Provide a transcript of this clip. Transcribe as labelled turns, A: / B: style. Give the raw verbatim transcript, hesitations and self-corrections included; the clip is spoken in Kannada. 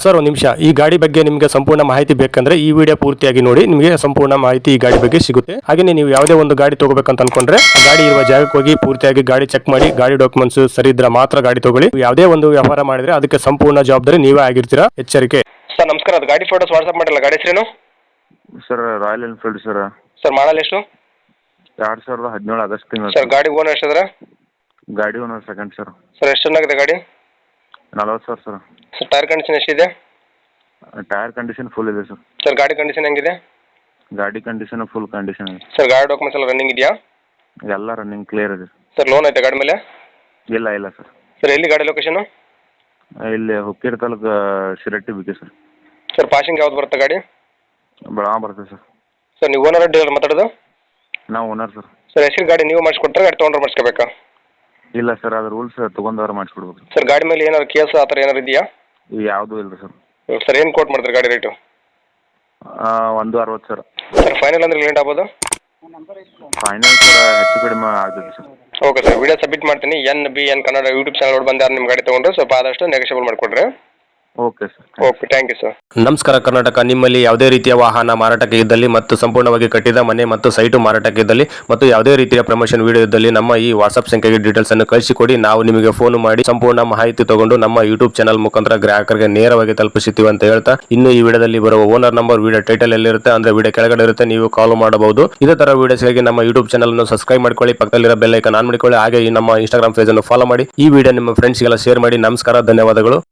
A: ಸರ್ ಒಂದು ನಿಮಿಷ, ಈ ಗಾಡಿ ಬಗ್ಗೆ ನಿಮಗೆ ಸಂಪೂರ್ಣ ಮಾಹಿತಿ ಬೇಕಂದ್ರೆ ಈ ವಿಡಿಯೋ ಪೂರ್ತಿಯಾಗಿ ನೋಡಿ, ನಿಮಗೆ ಸಂಪೂರ್ಣ ಮಾಹಿತಿ ಈ ಗಾಡಿ ಬಗ್ಗೆ ಸಿಗುತ್ತೆ. ಹಾಗೆ ನೀವು ಯಾವುದೇ ಒಂದು ಗಾಡಿ ತಗೋಬೇಕಂತ ಅನ್ಕೊಂಡ್ರೆ ಆ ಗಾಡಿ ಇರುವ ಜಾಗಕ್ಕೆ ಹೋಗಿ ಪೂರ್ತಿಯಾಗಿ ಗಾಡಿ ಚೆಕ್ ಮಾಡಿ, ಗಾಡಿ ಡಾಕ್ಯುಮೆಂಟ್ಸ್ ಸರಿ ಇದ್ರೆ ಮಾತ್ರ ಗಾಡಿ ತಗೊಳ್ಳಿ. ಯಾವುದೇ ಒಂದು ವ್ಯವಹಾರ ಮಾಡಿದ್ರೆ ಅದಕ್ಕೆ ಸಂಪೂರ್ಣ ಜವಾಬ್ದಾರಿ ನೀವೇ ಆಗಿರ್ತೀರಾ, ಎಚ್ಚರಿಕೆ. ಸರ್ ನಮಸ್ಕಾರ, ಅದು ಗಾಡಿ ಫೋಟೋಸ್ ವಾಟ್ಸ್ಆಪ್ ಮಾಡಿಲ್ಲ, ಗಾಡಿ ಹೆಸರೇನು?
B: Sir Royal Enfield sir.
A: Sir model ಎಷ್ಟು?
B: ಎರಡು ಸಾವಿರದ ಹದಿನೇಳು ಆಗಸ್ಟ್ ತಿಂಗಳು.
A: ಸರ್ ಗಾಡಿ ಓನರ್ ಎಷ್ಟಿದ್ರೆ?
B: ಗಾಡಿ ಓನರ್ ಸೆಕೆಂಡ್ ಸರ್.
A: ಸರ್ ಎಷ್ಟು ಚೆನ್ನಾಗಿದೆ ಗಾಡಿ?
B: ನಲವತ್ತು ಸಾವಿರ ಸರ್.
A: ಸರ್ ಟೈರ್ ಕಂಡೀಷನ್ ಎಷ್ಟಿದೆ?
B: ಟೈರ್ ಕಂಡೀಷನ್ ಫುಲ್ ಇದೆ ಸರ್.
A: ಸರ್ ಗಾಡಿ ಕಂಡೀಷನ್ ಹೆಂಗಿದೆ?
B: ಗಾಡಿ ಕಂಡೀಷನ್ ಫುಲ್ ಕಂಡೀಷನ್ ಇದೆ
A: ಸರ್. ಗಾಡಿ ಡಾಕ್ಯುಮೆಂಟ್ಸ್ ಎಲ್ಲ ರನ್ನಿಂಗ್ ಇದೆಯಾ?
B: ಎಲ್ಲ ರನ್ನಿಂಗ್ ಕ್ಲಿಯರ್ ಇದೆ
A: ಸರ್. ಲೋನ್ ಐತೆ ಗಾಡಿ ಮೇಲೆ?
B: ಇಲ್ಲ ಇಲ್ಲ ಸರ್.
A: ಸರ್ ಎಲ್ಲಿ ಗಾಡಿ ಲೊಕೇಶನ್?
B: ಇಲ್ಲಿ Hukkeri taluk Shiratti BK sir.
A: Sir passing ಯಾವ್ದು ಬರುತ್ತೆ ಗಾಡಿ?
B: ಬೆಳಗಾಂ ಬರುತ್ತೆ ಸರ್.
A: ಸರ್ ನೀವು ಓನರ್ ಡೀಲರ್ ಮಾತಾಡೋದು?
B: ನಾವು ಓನರ್ ಸರ್.
A: ಸರ್ ಹೆಸರು ಗಾಡಿ ನೀವು ಮಾಡಿಸ್ಕೊಡ್ತಾರೆ, ಗಾಡಿ ತೊಗೊಂಡ್ರೆ ಮಾಡಿಸ್ಕೋಬೇಕಾ?
B: ಇಲ್ಲ ಸರ್, ಅದು ರೂಲ್ಸ್ ತೊಗೊಂಡವ್ರು ಮಾಡಿಸ್ಕೊಡ್ಬೇಕು.
A: ಸರ್ ಗಾಡಿ ಮೇಲೆ ಏನಾದ್ರು ಕೇಸ್ ಆ ಥರ ಏನಾರು ಇದೆಯಾ?
B: ಯಾವುದೂ ಇಲ್ಲ ಸರ್.
A: ಸರ್ ಏನು ಕೋಟ್ ಮಾಡ್ತಾರೆ ಗಾಡಿ ರೇಟು?
B: ಒಂದು ಅರವತ್ತು ಸರ್.
A: ಸರ್ ಫೈನಲ್ ಅಂದ್ರೆ ಲೇಟ್ ಆಗ್ಬೋದು?
B: ಫೈನಲ್ ಸರ್ ಹೆಚ್ಚು ಕಡಿಮೆ ಆಗ್ತದೆ sir.
A: Okay sir, video submit ಮಾಡ್ತೀನಿ. N B N Kannada YouTube channel ಬಂದು ಯಾರು ನಿಮ್ಮ ಗಾಡಿ ತೊಗೊಂಡ್ರೆ ಸ್ವಲ್ಪ ಆದಷ್ಟು ನೆಗೋಷಿಯಬಲ್ ಮಾಡಿಕೊಡ್ರಿ.
B: Okay sir.
A: Okay, thank you sir.
C: ನಮಸ್ಕಾರ ಕರ್ನಾಟಕ. ನಿಮ್ಮಲ್ಲಿ ಯಾವುದೇ ರೀತಿಯ ವಾಹನ ಮಾರಾಟಕ್ಕೆ ಇದ್ದಲ್ಲಿ ಮತ್ತು ಸಂಪೂರ್ಣವಾಗಿ ಕಟ್ಟಿದ ಮನೆ ಮತ್ತು ಸೈಟು ಮಾರಾಟಕ್ಕೆ ಇದ್ದಲ್ಲಿ ಮತ್ತು ಯಾವುದೇ ರೀತಿಯ ಪ್ರಮೋಷನ್ ವಿಡಿಯೋ ಇದ್ದಲ್ಲಿ ನಮ್ಮ ಈ ವಾಟ್ಸ್ಆಪ್ ಸಂಖ್ಯೆಗೆ ಡೀಟೇಲ್ಸ್ ಅನ್ನು ಕಳಿಸಿಕೊಡಿ. ನಾವು ನಿಮಗೆ ಫೋನ್ ಮಾಡಿ ಸಂಪೂರ್ಣ ಮಾಹಿತಿ ತಗೊಂಡು ನಮ್ಮ ಯೂಟ್ಯೂಬ್ ಚಾನಲ್ ಮುಖಾಂತರ ಗ್ರಾಹಕರಿಗೆ ನೇರವಾಗಿ ತಲುಪಿಸುತ್ತೀವಿ ಅಂತ ಹೇಳ್ತಾ, ಇನ್ನು ಈ ವಿಡಿಯೋದಲ್ಲಿ ಬರುವ ಓನರ್ ನಂಬರ್ ವಿಡಿಯೋ ಟೈಟಲ್ ಎಲ್ಲಿರುತ್ತೆ ಅಂದ್ರೆ ವಿಡಿಯೋ ಕೆಳಗಡೆ ಇರುತ್ತೆ, ನೀವು ಕಾಲ್ ಮಾಡಬಹುದು. ಇದೇ ತರ ವಿಡಿಯೋಸ್ಗಾಗಿ ನಮ್ಮ ಯೂಟ್ಯೂಬ್ ಚಾನಲ್ ಅನ್ನು ಸಬ್ಸ್ಕ್ರೈಬ್ ಮಾಡ್ಕೊಳ್ಳಿ, ಪಕ್ಕದಲ್ಲಿರೋ ಬೆಲ್ ಐಕಾನ್ ಆನ್ ಮಾಡಿಕೊಳ್ಳಿ. ಹಾಗೆ ಈ ನಮ್ಮ ಇನ್ಸ್ಟಾಗ್ರಾಮ್ ಪೇಜ್ ಅನ್ನು ಫಾಲೋ ಮಾಡಿ. ಈ ವಿಡಿಯೋ ನಿಮ್ಮ ಫ್ರೆಂಡ್ಸ್ಗೆಲ್ಲ ಶೇರ್ ಮಾಡಿ. ನಮಸ್ಕಾರ, ಧನ್ಯವಾದಗಳು.